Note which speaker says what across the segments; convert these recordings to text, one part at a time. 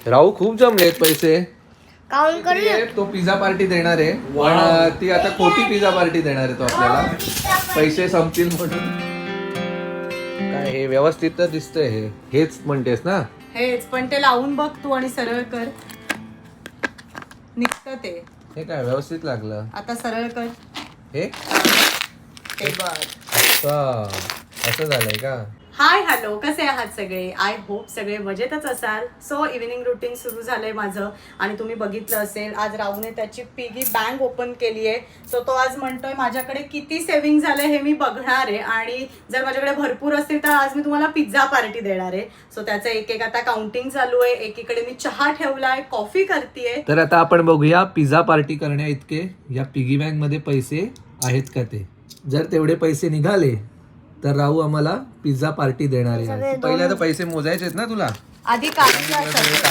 Speaker 1: राहू खूप जमलेत पैसे.
Speaker 2: काउंट करूया.
Speaker 1: तो पिझ्झा पार्टी देणार आहे पण ती आता खोटी पिझ्झा पार्टी देणार आहे तो आपल्याला पैसे संपतील म्हणून. काय हे व्यवस्थित तर दिसतंय. हेच म्हणतेस ना?
Speaker 3: हेच, पण ते लावून बघ तू आणि सरळ कर. निघतं ते.
Speaker 1: हे काय व्यवस्थित लागलं.
Speaker 3: आता सरळ कर.
Speaker 1: हे
Speaker 3: ते बघ.
Speaker 1: असं झालंय का?
Speaker 3: हाय हॅलो, कसे आहात सगळे? आय होप सगळे मजेतच असाल. सो इव्हिनिंग रुटीन सुरू झालंय माझं आणि तुम्ही बघितलं असेल आज राहूने त्याची पिगी बँक ओपन केली आहे. सो तो आज म्हणतोय माझ्याकडे किती सेव्हिंग झालंय हे मी बघणार आहे आणि जर माझ्याकडे भरपूर असतील तर आज मी तुम्हाला पिझ्झा पार्टी देणार आहे. सो त्याचं एक एक आता काउंटिंग चालू आहे. एकीकडे मी चहा ठेवलाय, कॉफी करतेय.
Speaker 1: तर आता आपण बघूया पिझ्झा पार्टी करण्या इतके या पिगी बँक मध्ये पैसे आहेत का ते. जर तेवढे पैसे निघाले तर राहू आम्हाला पिझ्झा पार्टी देणार आहे. पहिले आता पैसे मोजायचेत ना तुला.
Speaker 3: आधी काढून घ्या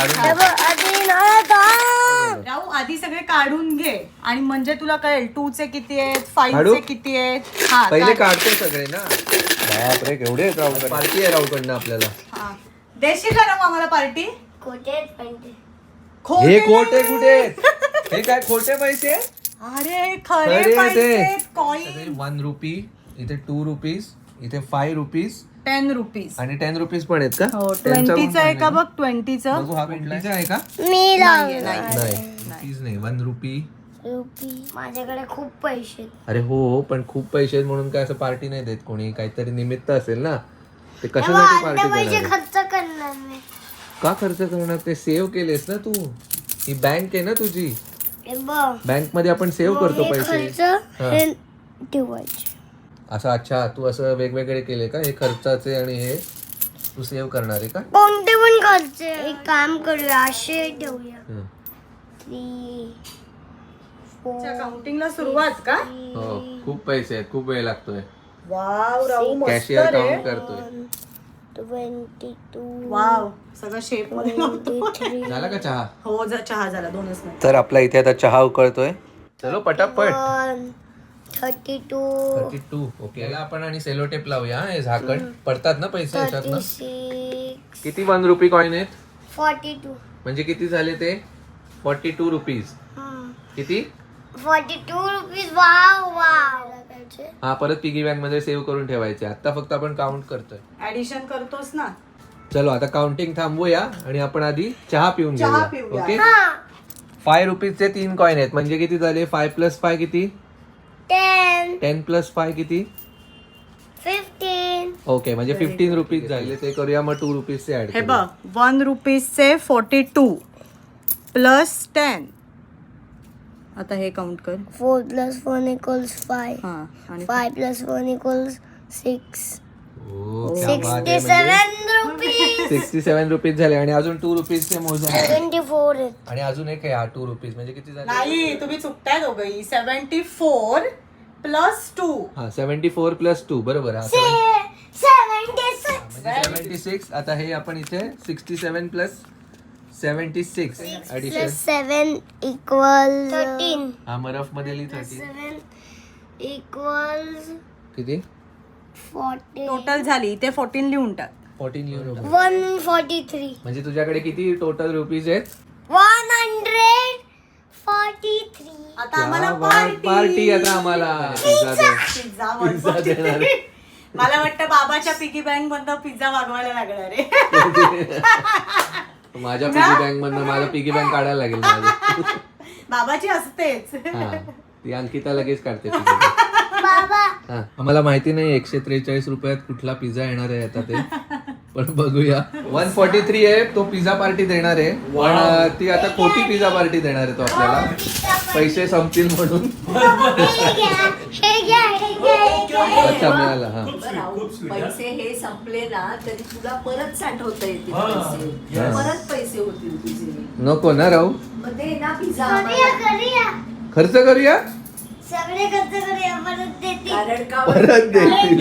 Speaker 3: राहू, आधी सगळे काढून घे आणि म्हणजे तुला कळेल 2 चे किती आहेत, 5 चे किती आहेत. हा
Speaker 1: पहिले काढतो सगळे ना. बापरे केवढे आहेत राहू. पार्टी आहे राहूकडनं आपल्याला.
Speaker 3: हा. देशील का राहू आम्हाला पार्टी?
Speaker 2: खोटे
Speaker 1: हे खोटे कुठे? हे काय खोटे पैसे?
Speaker 3: अरे खरे पैसे, कॉइन.
Speaker 1: 1 रुपी, इथे 2 रुपीज, इथे 5 रुपीज,
Speaker 3: 10 रुपीज
Speaker 1: आणि 10 रुपीज पण आहेत का?
Speaker 3: हो, 20चं आहे का बघ? 20चं
Speaker 1: बघू. हा 20चा आहे का?
Speaker 2: मी
Speaker 3: नाही.
Speaker 1: रुपीज नाही, 1 रुपी.
Speaker 2: माझ्याकडे खूप पैसे.
Speaker 1: अरे हो, पण खूप पैसे आहेत म्हणून काय असं पार्टी नाही देत कोणी. काहीतरी निमित्त असेल ना. ते कशासाठी पार्टी
Speaker 2: पैसे
Speaker 1: देणार?
Speaker 2: खर्च करणार नाही.
Speaker 1: का खर्च करणार? ते सेव्ह केलेस ना तू. ही बँक आहे ना तुझी. बँक मध्ये आपण सेव्ह करतो पैसे.
Speaker 2: हे ठेवायचे
Speaker 1: असं. अच्छा, तू असं वेगवेगळे केले का? हे खर्चाचे आणि हे तू सेव्ह करणार आहे का?
Speaker 2: कोणते पण खर्च. एक काम करूया, असे ठेवूया. 3 4
Speaker 3: काउंटिंगला सुरुवात का?
Speaker 1: हो, खूप पैसे आहेत. खूप वेळ लागतोय.
Speaker 3: वाव राहू, मस्त
Speaker 1: कॅशियर
Speaker 3: रे.
Speaker 1: काउंट करतोय.
Speaker 2: 22
Speaker 3: वाव, सगळं शेप मध्ये लावतो.
Speaker 2: 23
Speaker 1: झाला का चहा?
Speaker 3: हो, चहा झाला 2च मिनिट.
Speaker 1: तर आपला इथे आता चहा उकळतोय. चलो पटापट.
Speaker 2: 32
Speaker 1: 32. ओके. याला आपण आणि सेलो टेप लावूया. हे झाकण पडतात ना पैसे याच्यात ना.
Speaker 2: 36
Speaker 1: किती 1 रुपी कॉइन आहेत?
Speaker 2: 42
Speaker 1: म्हणजे किती झाले ते? 42 रुपीज. किती?
Speaker 2: 42 रुपीज. Wow wow.
Speaker 1: हा, परत पिगी बँक मध्ये सेव्ह करून ठेवायचे. आता फक्त आपण काउंट करतोय.
Speaker 3: ऍडिशन करतोस ना.
Speaker 1: चलो आता काउंटिंग थांबवूया आणि आपण आधी चहा पिऊन
Speaker 3: चहा
Speaker 1: घेऊया.
Speaker 3: पिऊया.
Speaker 1: ओके. 5 रुपीजचे 3 कॉइन आहेत. म्हणजे किती झाले? 5 + 5 किती?
Speaker 2: 10
Speaker 1: 10 + 5 किती?
Speaker 2: 15
Speaker 1: ओके, म्हणजे 15 रुपीज झाले. ते करूया मग 2 रुपीजचे ऍड.
Speaker 3: हे बघ, 1 रुपीजचे 42 प्लस 10. आता हे काउंट कर.
Speaker 2: 4 + 1 = 5
Speaker 3: हा, आणि
Speaker 2: 5 + 1 = 6
Speaker 1: 67
Speaker 2: 67 रुपीज.
Speaker 1: 67 रुपीज झाले आणि अजून 2 रुपीजचे मोजा.
Speaker 2: 24 आहेत.
Speaker 1: आणि अजून एक आहे 2 रुपीज. म्हणजे किती झाले?
Speaker 3: नाही, तुम्ही चुकताय दोघंही. 74 प्लस 2.
Speaker 1: हा, 74 + 2 बरोबर. हा,
Speaker 2: 76
Speaker 1: म्हणजे 76. आता हे आपण इथे 67 + 76 ऍडिशन.
Speaker 2: 7 = 13
Speaker 1: हा, मग रफ मध्ये लिही 13.
Speaker 2: 7 =
Speaker 1: किती?
Speaker 2: 40
Speaker 3: टोटल झाली. ते 14 लिहून टाक.
Speaker 1: 14 लिहून.
Speaker 2: 143
Speaker 1: म्हणजे तुझ्याकडे किती टोटल रुपीज आहेत?
Speaker 2: 143.
Speaker 3: आता आम्हाला
Speaker 1: पार्टी. आता आम्हाला पिझ्झा दे.
Speaker 3: पिझ्झा
Speaker 1: पिझ्झा देणार.
Speaker 3: मला वाटतं बाबाच्या पिगी बँक मधनं पिझ्झा मागवायला लागणार आहे.
Speaker 1: माझ्या पिगी बँक मधनं माझा पिगी बँक काढायला लागेल माझं.
Speaker 3: बाबाची असतेच.
Speaker 1: हा, ती अंकिता लगेच काढते piggy bank.
Speaker 2: बाबा
Speaker 1: हा, आम्हाला माहिती नाही 143 रुपयात कुठला पिझ्झा येणार आहे आता ते. पण बघूया. 143 आहे तो पिझ्झा पार्टी देणार आहे पण ती आता खोटी पिझ्झा पार्टी देणार आहे तो आपल्याला पैसे संपतील म्हणून.
Speaker 2: हे घ्या.
Speaker 1: अच्छा, मिळाला. हा,
Speaker 4: पैसे हे संपले ना तरी तुला परत साठवता येतील पैसे. परत पैसे होतील तुझे.
Speaker 1: नको ना राहू.
Speaker 4: मग ते ना पिझ्झा
Speaker 2: करूया.
Speaker 1: खर्च करूया.
Speaker 2: सगळे खर्च करूया. परत देते.
Speaker 4: कारण का
Speaker 1: परत देतील.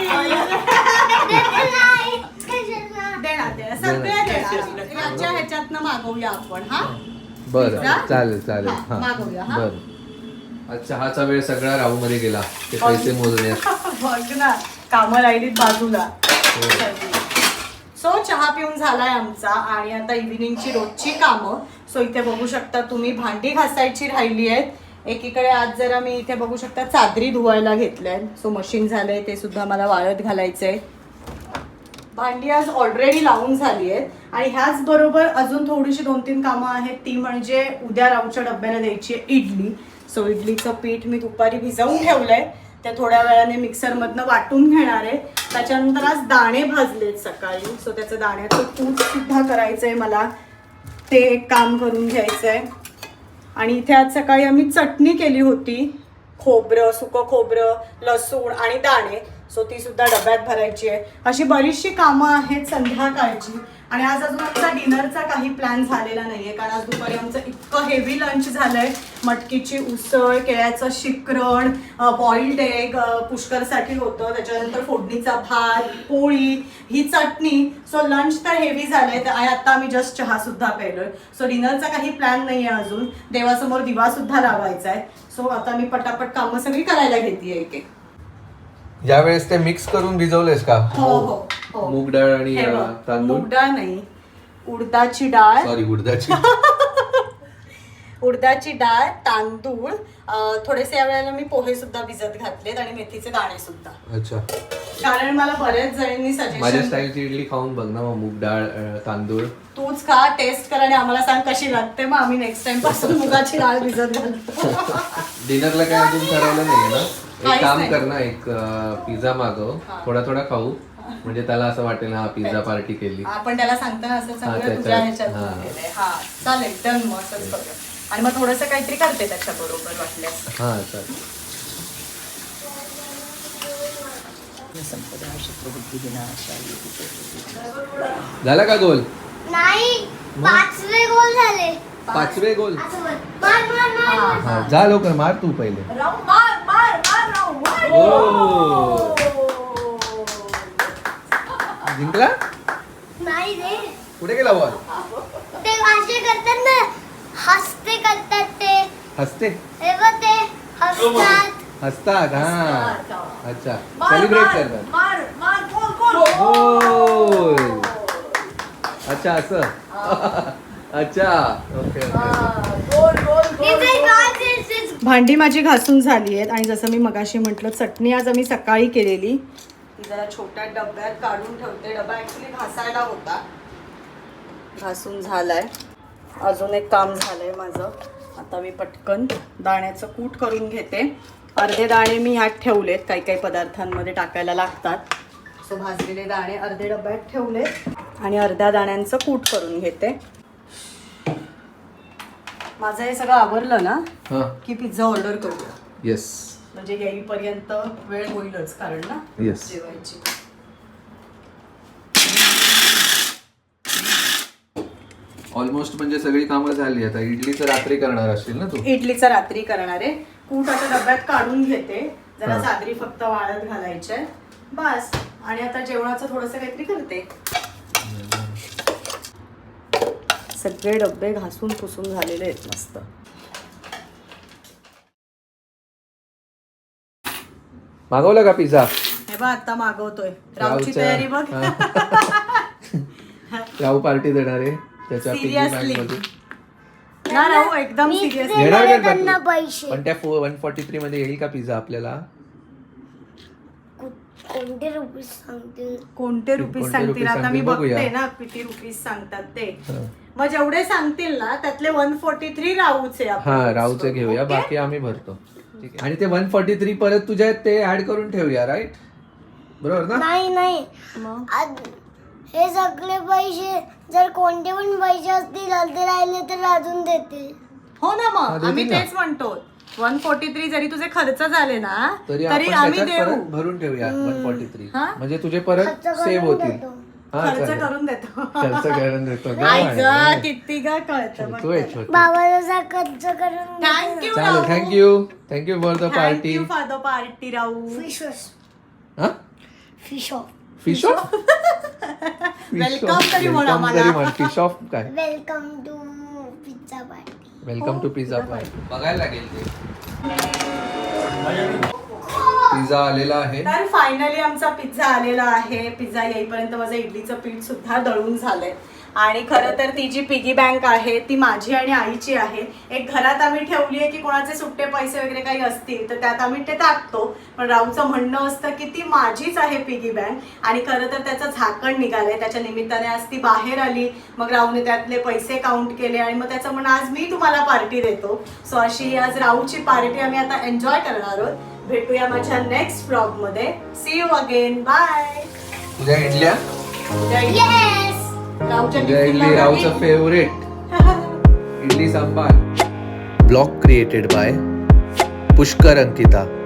Speaker 3: देणार सगळ्या देणार. याच्या ह्याच्यातनं मागवूया आपण. हा,
Speaker 1: बरं, चालेल.
Speaker 3: हा,
Speaker 1: हा,
Speaker 3: मागवूया. हा.
Speaker 1: बरं. आज चहाचा वेळ सगळा राहू मध्ये गेला ते पैसे मोजण्यात.
Speaker 3: बघ ना, कामं राहिलीत बाजूला. सो सो चहा पिऊन झालाय आमचा आणि आता इव्हिनिंगची रोजची कामं. सो इथे बघू शकता तुम्ही भांडी घासायची राहिली आहेत. एकीकडे आज जरा मी इथे बघू शकता चादरी धुवायला घेतल्या. सो मशीन झालंय ते सुद्धा मला वाळत घालायचंय. भांडी आज ऑलरेडी लावून झाली आहेत आणि ह्याच बरोबर अजून थोडीशी 2-3 कामं आहेत. ती म्हणजे उद्या राऊच्या डब्याला द्यायची आहे इडली. सो इडलीचं पीठ मी दुपारी भिजवून ठेवलंय. त्या थोड्या वेळाने मिक्सरमधनं वाटून घेणार आहे. त्याच्यानंतर आज दाणे भाजलेत सकाळी. सो त्याचं दाण्याचं कूट सुद्धा करायचंय मला. ते एक काम करून घ्यायचंय. आणि इथे आज सकाळी आम्ही चटणी केली होती. खोबरं, सुकं खोबरं, लसूण आणि दाणे. सो ती सुद्धा डब्यात भरायची आहे. अशी बरीचशी कामं आहेत संध्याकाळची. आणि आज अजून आमचा डिनरचा काही प्लॅन झालेला नाहीये कारण आज दुपारी आमचं इतकं हेवी लंच झालंय. मटकीची उसळ, केळ्याचं शिकरण, बॉइल्ड एग पुष्करसाठी होतं. त्याच्यानंतर फोडणीचा भात, पोळी, ही चटणी. सो लंच तर हेवी झालंय आणि आता आम्ही जस्ट चहा सुद्धा प्यायलोय. सो डिनरचा काही प्लॅन नाहीये अजून. देवासमोर दिवा सुद्धा लावायचा आहे. सो आता मी पटापट कामं सगळी करायला घेतेय एक एक.
Speaker 1: यावेळेस ते मिक्स करून भिजवलेस का?
Speaker 3: हो हो हो.
Speaker 1: मूग डाळ आणि
Speaker 3: हे बघ,
Speaker 1: तांदूळ.
Speaker 3: मूग डाळ नाही, उडदाची डाळ.
Speaker 1: सॉरी, उडदाची.
Speaker 3: उडदाची डाळ, तांदूळ, थोडेसे या वेळेला मी पोहे सुद्धा भिजत घातलेत आणि मेथीचे दाणे सुद्धा.
Speaker 1: अच्छा.
Speaker 3: कारण मला बऱ्याच जणांनी
Speaker 1: माझ्या
Speaker 3: सजेशन.
Speaker 1: स्टाईलची इडली खाऊन बघ ना मग. मूग डाळ, तांदूळ.
Speaker 3: तूच खा, टेस्ट कर आणि आम्हाला सांग कशी लागते. मग आम्ही नेक्स्ट टाइम पासून मुगाची डाळ भिजत घालतो.
Speaker 1: डिनरला काय अजून ठरवलं नाहीये ना? एक
Speaker 3: काहीच
Speaker 1: काम
Speaker 3: नाही.
Speaker 1: कर ना, एक पिझ्झा मागव. थोडा थोडा खाऊ म्हणजे त्याला असं वाटेल हा पिझ्झा पार्टी केली.
Speaker 3: आपण त्याला सांगताना असं
Speaker 1: हा,
Speaker 3: सगळं
Speaker 1: त्याच्यात.
Speaker 3: तुझ्या ह्याच्यात
Speaker 1: हा.
Speaker 3: केलंय. हा चालेल, डन. मग असंच करूया. आणि मग थोडंसं काहीतरी करते त्याच्या बरोबर वाटल्यास.
Speaker 1: हा चालेल. झाला का गोल?
Speaker 2: नाही, 5वे गोल झाले.
Speaker 1: 5वे गोल.
Speaker 2: असं बोल. मार मार मार मार.
Speaker 1: हा, जा लवकर मार तू पहिले.
Speaker 4: राहू, मार मार मार राहू, मार.
Speaker 1: ओ, जिंकला?
Speaker 2: नाही रे,
Speaker 1: कुठे गेला बॉल?
Speaker 2: ते असे करतात ना, हसते करतात ते.
Speaker 1: हसते
Speaker 2: हे बघ ते हसतात.
Speaker 1: हसतात. हा,
Speaker 4: हसतात.
Speaker 1: अच्छा.
Speaker 4: मार,
Speaker 1: सेलिब्रेट
Speaker 4: मार,
Speaker 1: करतात.
Speaker 4: मार मार, गोल गोल.
Speaker 1: गोल. अच्छा असं. अच्छा, ओके
Speaker 4: गोल गोल गोल.
Speaker 2: इथे काय
Speaker 3: भांडी माझी घासून झाली आहेत आणि जसं मी मगाशी म्हटलं चटणी आज आम्ही सकाळी केलेली. ती जरा छोट्या डब्यात काढून ठेवते. डबा ऍक्च्युली घासायला होता, घासून झालाय. अजून एक काम झालंय माझं. आता मी पटकन दाण्याचं कूट करून घेते. अर्धे दाणे मी ह्यात ठेवलेत, काही काही पदार्थांमध्ये टाकायला लागतात. सो भाजलेले दाणे अर्धे डब्यात ठेवलेत आणि अर्ध्या दाण्यांचं कूट करून घेते. माझं हे सगळं आवरलं ना
Speaker 1: हा.
Speaker 3: की पिझ्झा ऑर्डर करूया.
Speaker 1: येस
Speaker 3: म्हणजे येईपर्यंत वेळ होईलच कारण ना
Speaker 1: येस.
Speaker 3: जेवायची.
Speaker 1: ऑलमोस्ट म्हणजे सगळी कामं झाली. आता इडलीचं रात्री करणार असतील ना तू?
Speaker 3: इडलीचा रात्री करणार आहे. कूट आता डब्यात काढून घेते. जरा
Speaker 1: हा.
Speaker 3: चादरी फक्त वाळत घालायच्या बस. आणि आता जेवणाचं थोडंसं काहीतरी करते. सगळे डबे घासून पुसून झालेले आहेत मस्त.
Speaker 1: मागवला का पिझ्झा?
Speaker 3: हे बघ आता मागवतोय. रावची तयारी बघ.
Speaker 1: राहू पार्टी देणार आहे त्याच्या पिझ्झा
Speaker 3: Seriously.
Speaker 1: बँक मध्ये.
Speaker 3: ना राहू एकदम
Speaker 2: मी
Speaker 3: सिरियस.
Speaker 2: देणार
Speaker 1: येणार
Speaker 2: आहे
Speaker 1: का
Speaker 2: त्यांना
Speaker 1: तू?
Speaker 2: पैसे.
Speaker 1: पण त्या 143 मध्ये येईल का पिझ्झा आपल्याला?
Speaker 2: कोणते रुपये सांगतील?
Speaker 3: कोणते रुपीज
Speaker 1: कोणते
Speaker 3: सांगतील
Speaker 1: रुपीज
Speaker 3: आता मी
Speaker 1: सांगतील बघूया.
Speaker 3: बघते ना किती रुपीज सांगतात ते.
Speaker 1: हा.
Speaker 3: मग जेवढे सांगतील ना त्यातले 143 राहूचे आपण
Speaker 1: हा,
Speaker 3: use
Speaker 1: राहूचं
Speaker 3: करू.
Speaker 1: घेऊया.
Speaker 3: Okay?
Speaker 1: बाकी आम्ही भरतो. ठीक आहे. आणि ते 143 परत तुझ्या ते ऍड करून ठेवूया. राईट, बरोबर ना?
Speaker 2: नाही नाही,
Speaker 3: मग
Speaker 2: हे सगळे पैसे जर कोणते पण पैसे असतील अर्धे राहिले तर अजून देते.
Speaker 3: हो ना.
Speaker 1: हा,
Speaker 3: मग
Speaker 1: देतील
Speaker 3: आम्ही
Speaker 1: ना.
Speaker 3: तेच म्हणतो 143 जरी तुझे खर्च झाले ना
Speaker 1: तरी
Speaker 3: तरी
Speaker 1: आपण
Speaker 3: आम्ही
Speaker 1: त्याच्यात
Speaker 3: देऊ.
Speaker 1: परत भरून ठेवूया 143.
Speaker 3: हा?
Speaker 1: म्हणजे तुझे परत
Speaker 2: खर्च करून
Speaker 1: सेव्ह होतील.
Speaker 2: देतो.
Speaker 1: हा,
Speaker 3: खर्च
Speaker 1: चालेल.
Speaker 3: करून देतो.
Speaker 1: खर्च करून देतो.
Speaker 3: आई
Speaker 1: काय
Speaker 3: ग,
Speaker 1: आहे?
Speaker 3: किती ग कळतं
Speaker 1: तू आहे छोटी.
Speaker 2: बाबा जसा खर्च करून
Speaker 3: थँक्यू
Speaker 1: चालेल. Thank you for the party.
Speaker 3: Thank you for the party Rahu.
Speaker 2: Fish
Speaker 1: हा,
Speaker 2: fish off.
Speaker 1: Fish off.
Speaker 3: Welcome तरी म्हण आम्हाला.
Speaker 1: फिश ऑफ काय?
Speaker 2: Welcome to pizza party.
Speaker 1: Welcome to pizza party. बघायला लागेल ते. पिझ्झा आलेला आहे.
Speaker 3: तर फायनली आमचा पिझ्झा आलेला आहे. पिझ्झा येईपर्यंत माझं इडलीचं पीठ सुद्धा दळून झालंय. आणि खरं तर ती जी पिगी बँक आहे ती माझी आणि आईची आहे. एक घरात आम्ही ठेवली आहे की कोणाचे सुट्टे पैसे वगैरे काही असतील तर त्यात आम्ही ते टाकतो. पण राहूचं म्हणणं असतं की ती माझीच आहे पिगी बँक. आणि खरं तर त्याचं झाकण निघालंय. त्याच्या निमित्ताने आज ती बाहेर आली. मग राहूने त्यातले पैसे काउंट केले आणि मग त्याचं म्हणणं आज मी तुम्हाला पार्टी देतो. सो अशी आज राहूची पार्टी आम्ही आता एन्जॉय करणार आहोत. भेटूया माझ्या नेक्स्ट व्लॉग मध्ये. See you again. बाय.
Speaker 1: तुझ्या इडल्या
Speaker 2: येस.
Speaker 3: राहूच्या
Speaker 1: तुझ्या इडली
Speaker 3: टिफिनला
Speaker 1: राहूचं favourite idli sambar. Blog created by Pushkar Ankita.